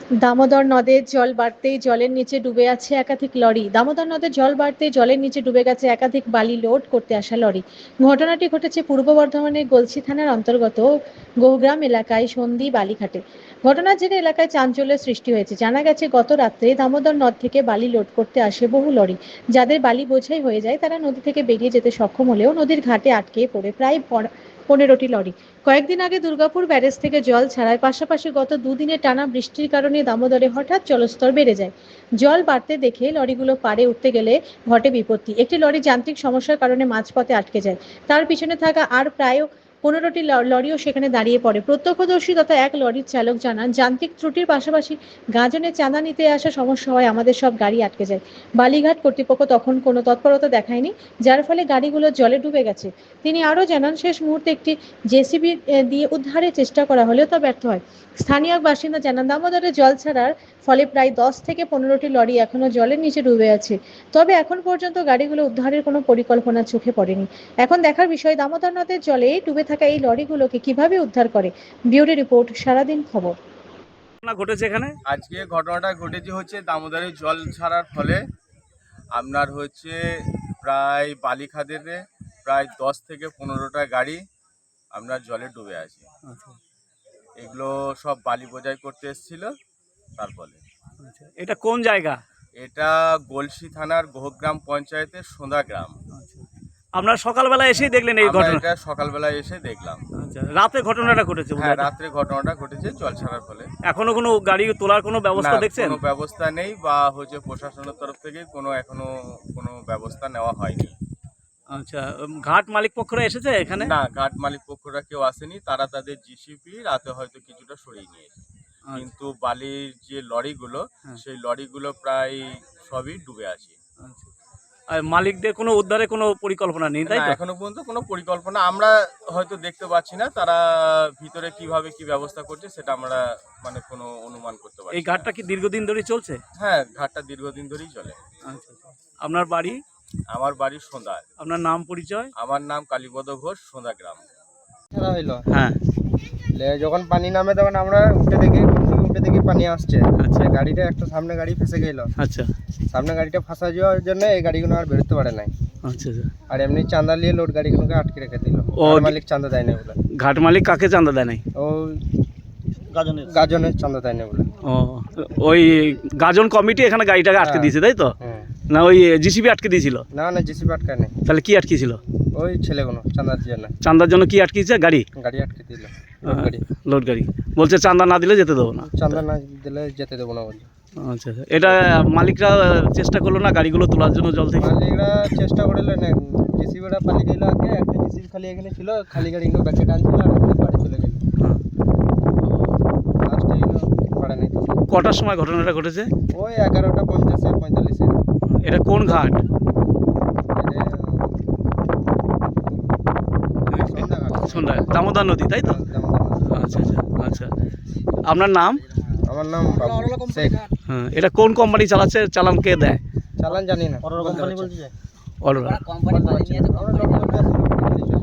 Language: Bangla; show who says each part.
Speaker 1: দামোদর নদের জল বাড়তেই জলের নিচে ডুবে আছে একাধিক লরি। দামোদর নদের জল বাড়তেই জলের নিচে ডুবে গেছে একাধিক বালি লোড করতে আসা লরি। ঘটনাটি ঘটেছে পূর্ব বর্ধমানের গলসি থানার অন্তর্গত গৌগ্রাম এলাকায় সন্ধি বালিঘাটে। ঘটনার জেরে এলাকায় চাঞ্চল্যের সৃষ্টি হয়েছে। জানা গেছে গত রাত্রে দামোদর নদ থেকে বালি লোড করতে আসে বহু লরি। যাদের বালি বোঝাই হয়ে যায় তারা নদী থেকে বেরিয়ে যেতে সক্ষম হলেও নদীর ঘাটে আটকে পড়ে প্রায় 15টি লরি। কয়েকদিন আগে দুর্গাপুর ব্যারেজ থেকে জল ছাড়ার পাশাপাশি গত দুদিনের টানা বৃষ্টির কারণে দামোদরে হঠাৎ জলস্তর বেড়ে যায়। জল বাড়তে দেখে লরিগুলো পাড়ে উঠতে গেলে ঘটে বিপত্তি। একটি লরি যান্ত্রিক সমস্যার কারণে মাঝপথে আটকে যায়। তার পিছনে থাকা আর প্রায় 15টি লরিও সেখানে দাঁড়িয়ে পড়ে। প্রত্যক্ষদর্শী তথা এক লরির চালক জানান, যান্ত্রিক ত্রুটির পাশাপাশি গাজনে চাঁদা নিতে আসা সমস্যা হয় আমাদের সব গাড়ি আটকে যায়। বালিঘাট কর্তৃপক্ষ তখন কোনো তৎপরতা দেখায়নি, যার ফলে গাড়িগুলো জলে ডুবে গেছে। তিনি আরও জানান, শেষ মুহূর্তে একটি জেসিবি দিয়ে উদ্ধারের চেষ্টা করা হলেও তা ব্যর্থ হয়। স্থানীয় বাসিন্দা জানান, দামোদরে জল ছাড়ার ফলে প্রায় 10 থেকে 15টি লরি এখনো জলের নিচে ডুবে আছে। তবে এখন পর্যন্ত গাড়িগুলো উদ্ধারের কোনো পরিকল্পনা চোখে পড়েনি। এখন দেখার বিষয় দামোদর নদের জলে ডুবে থাকা এই লরিগুলোকে কিভাবে উদ্ধার করে। ব্যুরো রিপোর্ট, সারাদিন খবর।
Speaker 2: ঘটেছে এখানে
Speaker 3: আজকে ঘটনাটা ঘটেছে হচ্ছে দামোদরের জল ছাড়ার ফলে আপনার হচ্ছে প্রায় বালিখাদেতে প্রায় 10 থেকে 15টা গাড়ি আপনার জলে ডুবে আছে। এগুলো সব বালি বোঝাই করতে এসেছিল। তার ফলে
Speaker 2: এটা কোন জায়গা?
Speaker 3: এটা গলসি থানার গোহগ্রাম পঞ্চায়েতের সোঁদা গ্রাম।
Speaker 2: আপনারা সকালবেলা এসেই দেখলেন এই
Speaker 3: আমরা
Speaker 2: ঘটনা?
Speaker 3: এটা সকালবেলা এসে দেখলাম।
Speaker 2: রাতে ঘটনাটা ঘটেছে?
Speaker 3: হ্যাঁ, রাত্রে ঘটনাটা ঘটেছে জল ছাড়ার ফলে।
Speaker 2: এখনো কোনো গাড়ি তোলার কোনো ব্যবস্থা দেখছেন?
Speaker 3: কোনো ব্যবস্থা নেই বা হচ্ছে প্রশাসনের তরফ থেকে এখনো কোনো ব্যবস্থা নেওয়া হয়নি।
Speaker 2: আচ্ছা, ঘাট মালিক পক্ষরা এসেছে এখানে?
Speaker 3: না, ঘাট মালিক পক্ষরা কেউ আসেনি। তারা তাদের জিসিপি রাতে হয়তো কিছুটা সরিয়ে নিয়েছে, কিন্তু বালির যে লরিগুলো সেই লরিগুলো প্রায় সবই ডুবে আছে।
Speaker 2: আর মালিকদের কোনো উদ্ধারে কোনো পরিকল্পনা নেই, তাই তো?
Speaker 3: এখনো পর্যন্ত কোনো পরিকল্পনা আমরা হয়তো দেখতে পাচ্ছি না। তারা ভিতরে কিভাবে কি ব্যবস্থা করছে সেটা আমরা কোনো অনুমান করতে পারছি।
Speaker 2: এই ঘাটটা কি দীর্ঘদিন ধরে চলছে?
Speaker 3: হ্যাঁ, ঘাটটা দীর্ঘদিন ধরেই চলে।
Speaker 2: আচ্ছা, আপনার বাড়ি?
Speaker 3: আমার বাড়ি সোঁদা।
Speaker 2: আপনার নাম পরিচয়?
Speaker 3: আমার নাম কালীপদ ঘোষ, সোঁদা গ্রাম।
Speaker 4: ছাড়া হইলো।
Speaker 2: হ্যাঁ,
Speaker 4: যখন পানি নামে তখন আমরা উঠে দেখি পানি আসছে।
Speaker 2: আচ্ছা।
Speaker 4: গাড়িটা একটা সামনে গাড়ি ফেসে গেল।
Speaker 2: আচ্ছা
Speaker 4: সামনে গাড়িটা ফাঁসা যাওয়ার জন্য এই গাড়িগুলো আর বেরোতে পারে নাই।
Speaker 2: আচ্ছা।
Speaker 4: আর এমনি চাঁদা নিয়ে লোড গাড়িগুলোকে আটকে রেখে দিল। মালিক চাঁদা দেয় না বলে।
Speaker 2: ঘাট মালিক কাকে চাঁদা দেয় নাই?
Speaker 4: ও গাজনের চাঁদা দেয় না বলে।
Speaker 2: ও, ওই গাজন কমিটি এখানে গাড়িটাকে আটকে দিয়েছে, তাই তো? না ওই জিসিবি আটকে দিয়েছিল?
Speaker 4: না, জিসিবি আটকায় নাই।
Speaker 2: তাহলে কি আটকেছিল?
Speaker 4: ওই ছেলেগুলো চাঁদার জন্য।
Speaker 2: চাঁদার জন্য কি আটকেছে? গাড়ি
Speaker 4: আটকে দিল।
Speaker 2: লোড গাড়ি বলছে চাঁদা না দিলে যেতে দেবো না।
Speaker 4: চাঁদা না দিলে যেতে দেবো না বলে।
Speaker 2: আচ্ছা, এটা মালিকরা চেষ্টা করলো না গাড়িগুলো তোলার জন্য জল থেকে?
Speaker 4: মালিকরা চেষ্টা করলো না, জিসিবিটা পালিয়ে গেল আগে। একটা জিসিবি খালি এখানে ছিল, খালি গাড়িগুলো ব্যাকে টানছিল আর বাড়ি চলে গেল। লাস্টে এলো পারে নাই।
Speaker 2: কটার সময় ঘটনাটা ঘটেছে?
Speaker 4: ওই 11টা 50 45।
Speaker 2: এটা কোন ঘাট? সন্ধ্যা দামোদর নদী, তাই তো? আচ্ছা আচ্ছা আচ্ছা। আপনার নাম?
Speaker 4: আমার নাম শেখ।
Speaker 2: হ্যাঁ, এটা কোন কোম্পানি চালাচ্ছে? চালান কে দেয়?
Speaker 4: চালান জানি না।
Speaker 2: অরোরা।